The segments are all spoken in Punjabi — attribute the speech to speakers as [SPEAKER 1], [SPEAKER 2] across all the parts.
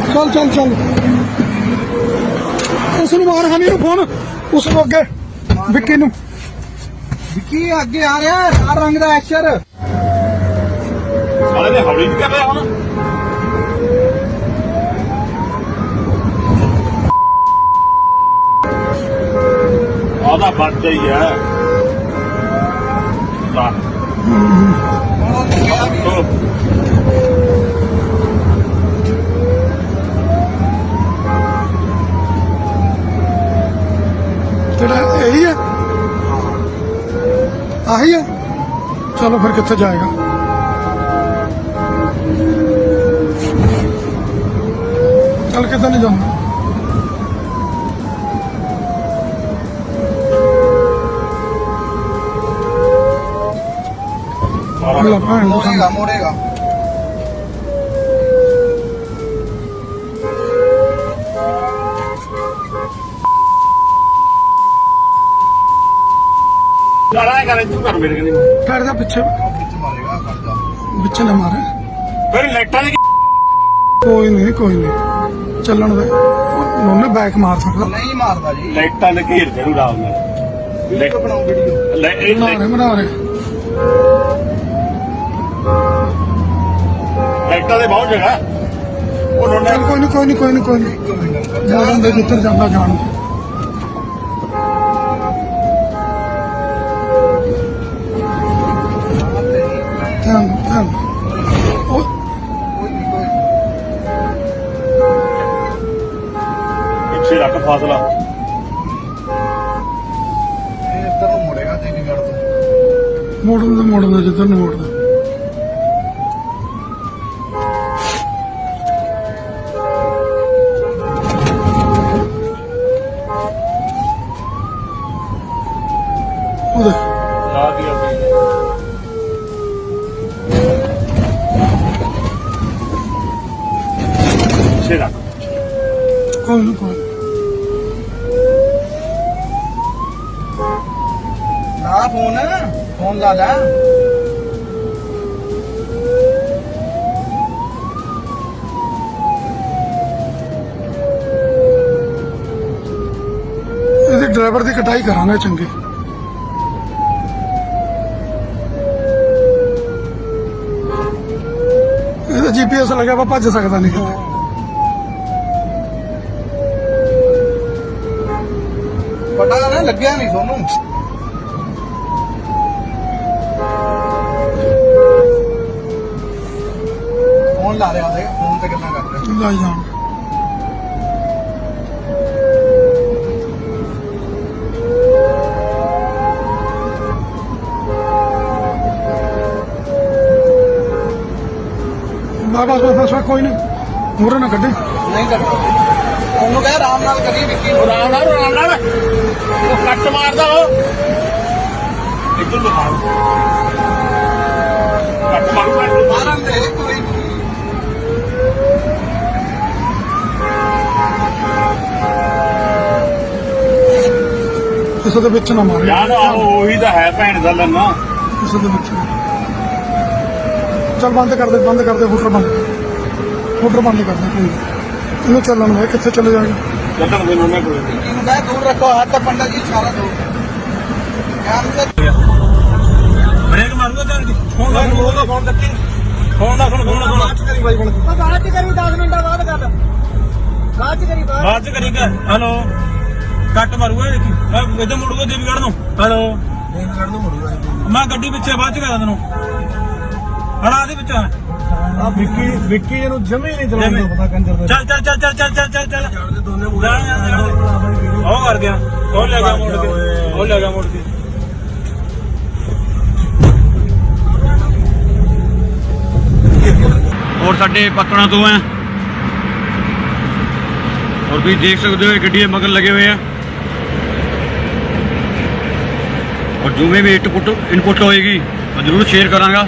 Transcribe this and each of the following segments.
[SPEAKER 1] चल चल चल उसनू मार हनी नू फोन उसनू अगे विक्की नू
[SPEAKER 2] विक्की अगे आ रहा है लाल रंग दा एशर
[SPEAKER 3] साले ने हौली नहीं कर रहा हुन आधा बच गई है
[SPEAKER 1] तेरा यही है आही है चलो फिर कितने जाएगा चल कितने नहीं जाऊंगा
[SPEAKER 2] मोड़ेगा मोड़ेगा
[SPEAKER 3] लड़ाई कर तू कर मेरे कनी
[SPEAKER 1] ठहर जा पीछे
[SPEAKER 2] मारेगा
[SPEAKER 1] पीछे न मारे
[SPEAKER 3] फिर लाइटां ने
[SPEAKER 1] कोई नहीं चलन दे उन्होंने बैक मार सकता
[SPEAKER 2] नहीं मारदा जी
[SPEAKER 3] लाइटां ने घेर जरूर राव में
[SPEAKER 2] वीडियो बनाओ वीडियो
[SPEAKER 1] बना रहे
[SPEAKER 3] लाइटां दे बहुत जगह उन्होंने
[SPEAKER 1] चल कोई नहीं जान दे जिधर जाना जान दे ध्यान दे
[SPEAKER 3] पीछे रख फासला
[SPEAKER 2] इधर ਨੂੰ ਮੁੜੇਗਾ ਚੰਡੀਗੜ੍ਹ ਤੋਂ
[SPEAKER 1] मोड़न दे जिधर नहीं मोड़ना
[SPEAKER 3] ला दिया पीछे रख
[SPEAKER 1] कोई नहीं
[SPEAKER 2] ਨਾ ਫੋਨ ਲਾ ਲੈ
[SPEAKER 1] ਇਹਦੇ ਡਰਾਈਵਰ ਦੀ ਕਟਾਈ ਕਰਾਂਗੇ ਚੰਗੀ ਇਹਦਾ ਜੀਪੀਐਸ ਲੱਗਿਆ ਵਾ ਭੱਜ ਸਕਦਾ ਨਹੀਂ ਕਿਤੇ
[SPEAKER 2] ਪਤਾ ਨਾ ਲੱਗਿਆ ਨਹੀਂ ਤੁਹਾਨੂੰ ਫੋਨ ਲਾ ਰਿਹਾ ਉਹਦੇ ਫੋਨ ਤੇ ਗੱਲਾਂ ਕਰ ਰਿਹਾ
[SPEAKER 1] ਲੈ ਜਾਣ ਬਸ ਕੋਈ ਨਹੀਂ ਮੂਹਰੇ ਨਾ ਕੱਢੇ
[SPEAKER 2] ਨਹੀਂ ਕਰਦਾ ਉਹਨੂੰ ਕਹਿ ਆਰਾਮ ਨਾਲ ਕਰੀ ਵਿੱਕੀ
[SPEAKER 3] ਆਰਾਮ ਨਾਲ ਉਹ ਕੱਟ ਮਾਰਦਾ ਉਹ ਇੱਧਰ ਦਿਖਾ ਕੱਟ ਮਾਰੂਗਾ
[SPEAKER 2] ਮਾਰਨ ਦੇ ਕੋਈ
[SPEAKER 1] ਕਿਸੇ ਦੇ ਵਿੱਚ ਨਾ ਮਾਰੇ
[SPEAKER 3] ਯਾਰ ਉਹੀ ਤਾਂ ਹੈ ਭੈਣ ਦਾ ਲੰਨਾ
[SPEAKER 1] ਕਿਸੇ ਦੇ ਵਿੱਚ ਚੱਲ ਬੰਦ ਕਰ ਦੇ ਹੁਟਰ ਬੰਦ ਕਰ ਦੇ ਕੋਈ ਇਹਨੂੰ ਚੱਲਣ ਦੇ ਕਿੱਥੇ ਚਲੇ ਜਾਏਗਾ
[SPEAKER 3] ਚੱਲਣ ਦੇ ਨੋਨੇ ਕੋਲ
[SPEAKER 2] ਇਹਨੂੰ ਕਹਿ ਦੂਰ ਰੱਖੋ ਹੱਥ ਪੰਡਾ ਜੀ ਇਸ਼ਾਰਾ ਦੋ ਕੰਮ ਸੇ
[SPEAKER 3] ਬ੍ਰੇਕ ਮਾਰੂਗਾ ਚੱਲ ਫੋਨ ਲਾ ਫੋਨ ਕੱਟੀ ਫੋਨ ਨਾ
[SPEAKER 2] ਬਾਅਦ ਚ ਕਰੀ ਬਾਈ ਬਣ
[SPEAKER 4] ਬਾਅਦ ਚ ਕਰੀ 10 ਮਿੰਟਾਂ ਬਾਅਦ ਕਰ ਬਾਅਦ ਚ ਕਰੀ
[SPEAKER 3] ਹੈਲੋ ਕੱਟ ਮਾਰੂਗਾ ਦੇਖੀ ਇਧਰ ਮੁੜੂਗਾ ਦੇਵੀਗੜ੍ਹ ਨੂੰ ਹੈਲੋ
[SPEAKER 2] ਦੇਵਗੜ੍ਹ ਨੂੰ ਮੁੜੂਗਾ
[SPEAKER 3] ਮੈਂ ਗੱਡੀ ਪਿੱਛੇ ਬਾਅਦ ਚ ਕਰਾਂ ਤੈਨੂੰ ਹੜਾ ਦੇ ਵਿੱਚ
[SPEAKER 1] ਆ ਵਿੱਕੀ ਇਹਨੂੰ ਜਮੇ ਨਹੀਂ ਚਲਾਉਣ ਦਾ ਪਤਾ ਕੰਜਰ ਦਾ
[SPEAKER 3] ਚੱਲ
[SPEAKER 2] ਜਾਣਦੇ ਦੋਨੇ ਮੁੰਡੇ
[SPEAKER 3] ਉਹ ਕਰ ਗਿਆ ਉਹ ਲੈ ਗਿਆ ਮੋੜ ਕੇ और साढ़े पत्तना तो हैं और भी देख सकते हो गड्डी मगर लगे हुए हैं और जो में भी इनपुट होएगी मैं जरूर शेयर करांगा।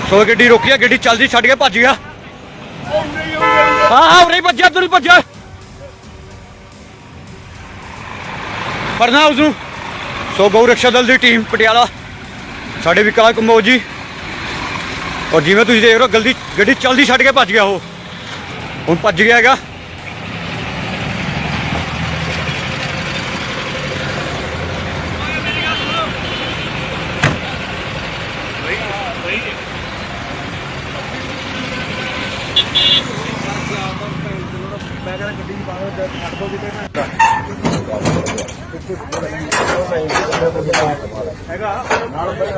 [SPEAKER 5] ਸੋ ਗੱਡੀ ਰੋਕੀ ਆ, ਗੱਡੀ ਚੱਲਦੀ ਛੱਡ ਕੇ ਭੱਜ ਗਿਆ। ਹਾਂ ਉਰੇ ਭੱਜਿਆ, ਤੂੰ ਭੱਜਿਆ, ਫੜਨਾ ਉਸਨੂੰ। ਸੋ ਗਊ ਰਕਸ਼ਾ ਦਲ ਦੀ ਟੀਮ ਪਟਿਆਲਾ, ਸਾਡੇ ਵਿਕਾਸ ਕੰਬੋਜ ਜੀ, ਔਰ ਜਿਵੇਂ ਤੁਸੀਂ ਦੇਖ ਰਹੇ ਹੋ ਗੱਡੀ ਚੱਲਦੀ ਛੱਡ ਕੇ ਭੱਜ ਗਿਆ। ਉਹ ਹੁਣ ਭੱਜ ਗਿਆ ਹੈਗਾ।
[SPEAKER 4] ਮੈਂ ਕਹਿੰਦਾ ਗੱਡੀ ਬਾਹਰ ਛੱਡ ਦੋ ਕਿਤੇ ਹੈਗਾ।